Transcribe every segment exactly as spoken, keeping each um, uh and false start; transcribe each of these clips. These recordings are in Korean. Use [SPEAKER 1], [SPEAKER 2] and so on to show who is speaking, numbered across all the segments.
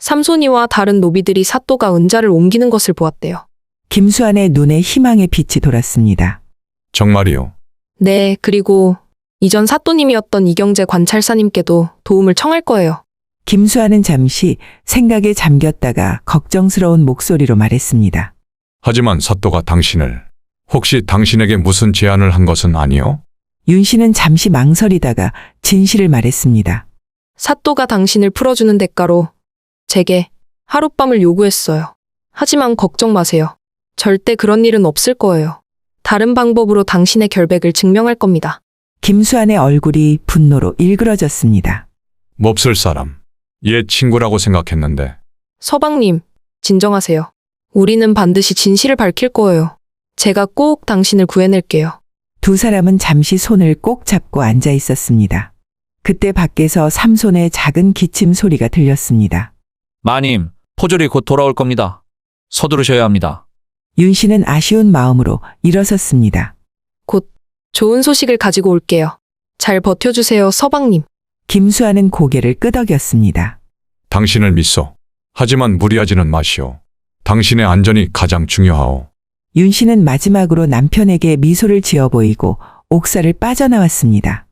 [SPEAKER 1] 삼손이와 다른 노비들이 사또가 은자를 옮기는 것을 보았대요.
[SPEAKER 2] 김수환의 눈에 희망의 빛이 돌았습니다.
[SPEAKER 3] 정말이요.
[SPEAKER 1] 네, 그리고 이전 사또님이었던 이경재 관찰사님께도 도움을 청할 거예요.
[SPEAKER 2] 김수환은 잠시 생각에 잠겼다가 걱정스러운 목소리로 말했습니다.
[SPEAKER 3] 하지만 사또가 당신을 혹시 당신에게 무슨 제안을 한 것은 아니요?
[SPEAKER 2] 윤 씨는 잠시 망설이다가 진실을 말했습니다.
[SPEAKER 1] 사또가 당신을 풀어주는 대가로 제게 하룻밤을 요구했어요. 하지만 걱정 마세요. 절대 그런 일은 없을 거예요. 다른 방법으로 당신의 결백을 증명할 겁니다.
[SPEAKER 2] 김수환의 얼굴이 분노로 일그러졌습니다.
[SPEAKER 3] 몹쓸 사람. 얘 친구라고 생각했는데.
[SPEAKER 1] 서방님, 진정하세요. 우리는 반드시 진실을 밝힐 거예요. 제가 꼭 당신을 구해낼게요.
[SPEAKER 2] 두 사람은 잠시 손을 꼭 잡고 앉아 있었습니다. 그때 밖에서 삼손의 작은 기침 소리가 들렸습니다.
[SPEAKER 4] 마님, 포졸이 곧 돌아올 겁니다. 서두르셔야 합니다.
[SPEAKER 2] 윤 씨는 아쉬운 마음으로 일어섰습니다.
[SPEAKER 1] 곧 좋은 소식을 가지고 올게요. 잘 버텨주세요, 서방님.
[SPEAKER 2] 김수환은 고개를 끄덕였습니다.
[SPEAKER 3] 당신을 믿소. 하지만 무리하지는 마시오. 당신의 안전이 가장 중요하오.
[SPEAKER 2] 윤 씨는 마지막으로 남편에게 미소를 지어 보이고 옥사를 빠져나왔습니다.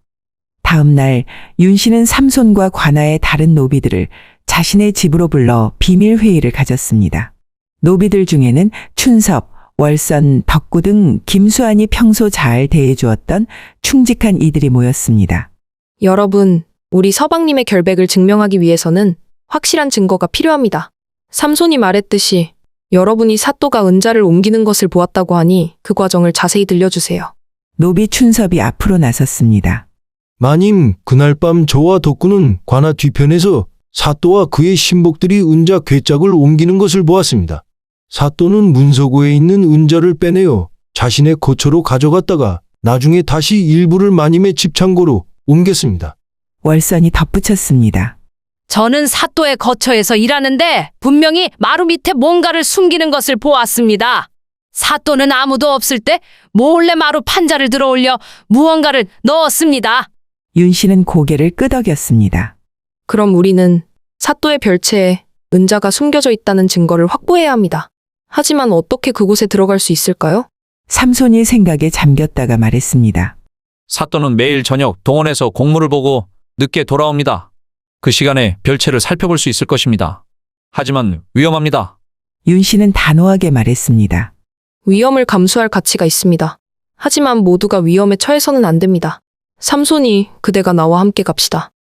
[SPEAKER 2] 다음 날 윤 씨는 삼손과 관아의 다른 노비들을 자신의 집으로 불러 비밀 회의를 가졌습니다. 노비들 중에는 춘섭, 월선, 덕구 등 김수환이 평소 잘 대해주었던 충직한 이들이 모였습니다.
[SPEAKER 1] 여러분, 우리 서방님의 결백을 증명하기 위해서는 확실한 증거가 필요합니다. 삼손이 말했듯이 여러분이 사또가 은자를 옮기는 것을 보았다고 하니 그 과정을 자세히 들려주세요.
[SPEAKER 2] 노비 춘섭이 앞으로 나섰습니다.
[SPEAKER 5] 마님, 그날 밤 저와 덕구는 관아 뒤편에서 사또와 그의 신복들이 은자 괴짝을 옮기는 것을 보았습니다. 사또는 문서고에 있는 은자를 빼내어 자신의 거처로 가져갔다가 나중에 다시 일부를 마님의 집창고로 옮겼습니다.
[SPEAKER 2] 월선이 덧붙였습니다.
[SPEAKER 6] 저는 사또의 거처에서 일하는데 분명히 마루 밑에 뭔가를 숨기는 것을 보았습니다. 사또는 아무도 없을 때 몰래 마루 판자를 들어 올려 무언가를 넣었습니다.
[SPEAKER 2] 윤 씨는 고개를 끄덕였습니다.
[SPEAKER 1] 그럼 우리는 사또의 별채에 은자가 숨겨져 있다는 증거를 확보해야 합니다. 하지만 어떻게 그곳에 들어갈 수 있을까요?
[SPEAKER 2] 삼손이 생각에 잠겼다가 말했습니다.
[SPEAKER 4] 사또는 매일 저녁 동원해서 공무를 보고 늦게 돌아옵니다. 그 시간에 별채를 살펴볼 수 있을 것입니다. 하지만 위험합니다.
[SPEAKER 2] 윤 씨는 단호하게 말했습니다.
[SPEAKER 1] 위험을 감수할 가치가 있습니다. 하지만 모두가 위험에 처해서는 안 됩니다. 삼손이 그대가 나와 함께 갑시다.